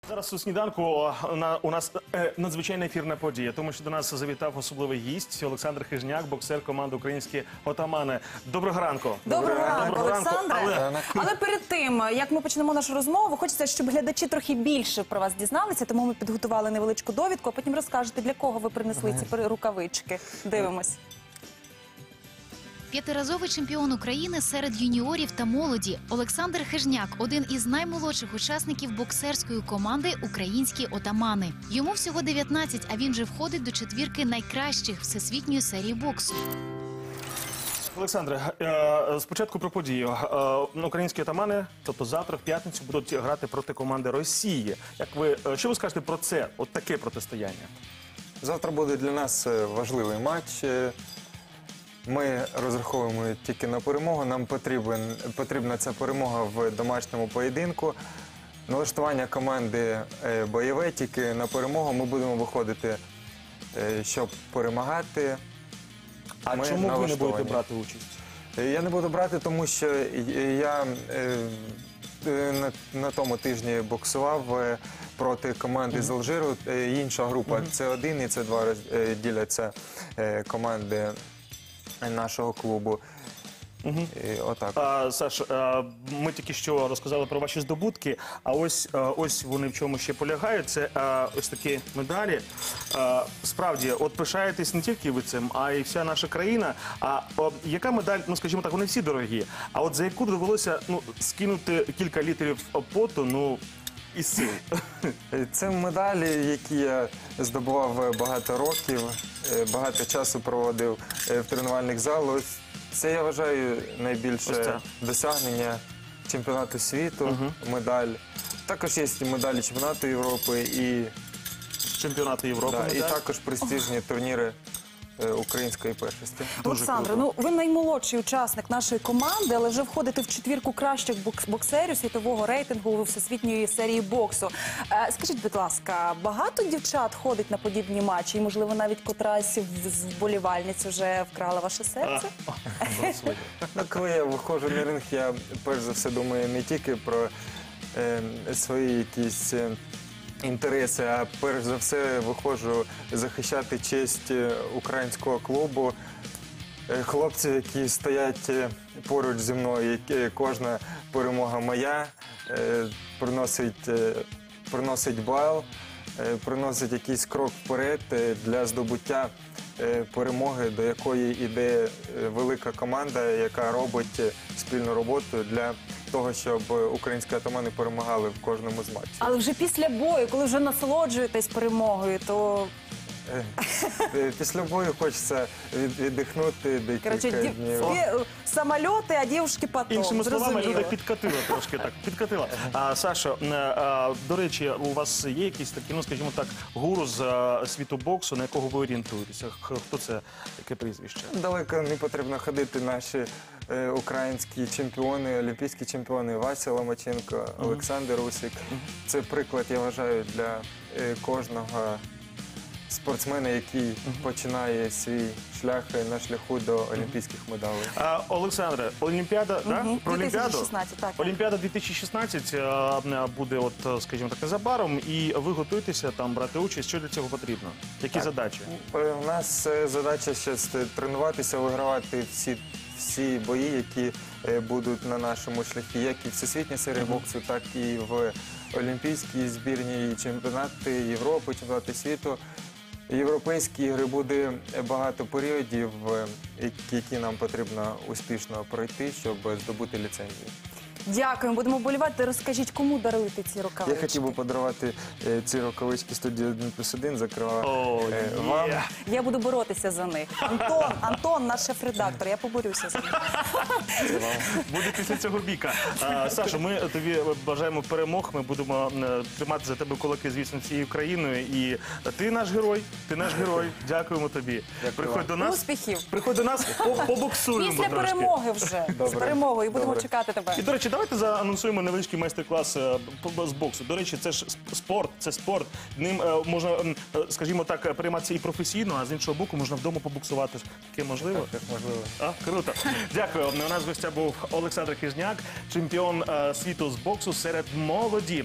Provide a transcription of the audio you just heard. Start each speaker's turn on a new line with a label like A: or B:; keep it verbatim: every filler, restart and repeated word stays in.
A: Зараз у сніданку на, у нас е, надзвичайна ефірна подія, тому що до нас завітав особливий гість Олександр Хижняк, боксер команди «Українські отамани». Доброго ранку.
B: Доброго ранку,
A: Доброго ранку.
B: Олександре.
A: Але...
B: Але перед тим, як ми почнемо нашу розмову, хочеться, щоб глядачі трохи більше про вас дізналися, тому ми підготували невеличку довідку, а потім розкажете, для кого ви принесли ці рукавички. Дивимось.
C: П'ятиразовий чемпіон України серед юніорів та молоді Олександр Хижняк – один із наймолодших учасників боксерської команди «Українські отамани». Йому всього дев'ятнадцять, а він вже входить до четвірки найкращих всесвітньої серії боксу.
A: Олександре, е, спочатку про подію. Е, українські отамани, тобто завтра, в п'ятницю, будуть грати проти команди Росії. Як ви, е, що ви скажете про це, от таке протистояння?
D: Завтра буде для нас важливий матч. Ми розраховуємо тільки на перемогу. Нам потрібен, потрібна ця перемога в домашньому поєдинку. Налаштування команди бойове, тільки на перемогу. Ми будемо виходити, щоб перемагати.
A: А
D: ми
A: чому ви не будете брати участь?
D: Я не буду брати, тому що я на, на тому тижні боксував проти команди з Алжиру. Інша група С один і С два діляться команди нашого клубу.
A: Угу.
D: І отак.
A: А, Саш, а, ми тільки що розказали про ваші здобутки, а ось, а, ось вони в чому ще полягають. Це а, ось такі медалі. А, справді, от пишаєтесь не тільки ви цим, а й вся наша країна. А, а яка медаль, ну скажімо так, вони всі дорогі, а от за яку довелося ну, скинути кілька літрів поту, ну, і сил?
D: Це медалі, які я здобував багато років, багато часу проводив в тренувальних залах. Це, я вважаю, найбільше досягнення чемпіонату світу, угу. медаль. Також є медалі чемпіонату Європи і,
A: чемпіонату Європи,
D: да, і також престижні турніри української першості.
B: Олександре, ну ви наймолодший учасник нашої команди, але вже входите в четвірку кращих боксерів світового рейтингу всесвітньої серії боксу. Е, скажіть, будь ласка, багато дівчат ходить на подібні матчі? І, можливо, навіть котрась з вболівальниць вже вкрала ваше серце?
D: Ну, коли я виходжу на ринг, я перш за все думаю не тільки про е, свої якісь інтереси, а перш за все виходжу захищати честь українського клубу. Хлопці, які стоять поруч зі мною, кожна перемога моя, приносить, приносить бал, приносить якийсь крок вперед для здобуття перемоги, до якої йде велика команда, яка робить спільну роботу для того, щоб українські отамани перемагали в кожному з матчів.
B: Але вже після бою, коли вже насолоджуєтесь перемогою, то...
D: Після бою хочеться віддихнути декілька днів.
B: Самольоти, а дівчатки потім.
A: Іншими словами, люди підкатили трошки так. Підкатила. А, Сашо, а, до речі, у вас є якісь такі, ну скажімо так, гуру з а, світу боксу, на якого ви орієнтуєтеся? Хто це? Яке прізвище?
D: Далеко не потрібно ходити. Наші е, українські чемпіони, олімпійські чемпіони Вася Ломаченко, Олександр Усик. Це приклад, я вважаю, для е, кожного спортсмена, який uh-huh. починає свій шлях на шляху до олімпійських медалей.
A: А, Олександре, Олімпіада, uh-huh. да? Про
B: дві тисячі шістнадцять, так,
A: Олімпіада дві тисячі шістнадцять а, буде, от, скажімо так, незабаром, і ви готуєтеся там брати участь. Що для цього потрібно? Які так. задачі?
D: У нас задача ще тренуватися, вигравати всі, всі бої, які будуть на нашому шляхі, як і всесвітня серія uh-huh. боксу, так і в олімпійській збірні, і чемпіонати Європи, чемпіонати світу. Європейські ігри буде багато періодів, які нам потрібно успішно пройти, щоб здобути ліцензію.
B: Дякуємо, будемо вболівати. Розкажіть, кому даруєте ці рукавички?
D: Я хотів би подарувати е, ці рукавички студії один плюс один, зокрема
A: oh,
D: е, вам.
A: Yeah.
B: Я буду боротися за них. Антон, Антон, наш шеф-редактор, я поборюся за них.
A: Буде після цього біка. А, Сашо, ми тобі бажаємо перемог, ми будемо тримати за тебе кулаки, звісно, цією країною. І ти наш герой, ти наш герой. Дякуємо тобі.
D: Дякую.
A: Приходь до нас.
B: Успіхів.
A: Приходь до нас, побоксуємо
B: Після
A: трошки.
B: перемоги вже.
D: Добре.
B: З перемогою. Будемо
D: Добре.
B: чекати тебе.
A: І, до речі, давайте заанонсуємо невеличкий майстер-клас з боксу. До речі, це ж спорт, це спорт. Ним можна, скажімо так, прийматися і професійно, а з іншого боку можна вдома побоксувати. Таке можливо?
D: Так, можливо.
A: А, круто. Дякую. У нас в гостях був Олександр Хижняк, чемпіон світу з боксу серед молоді.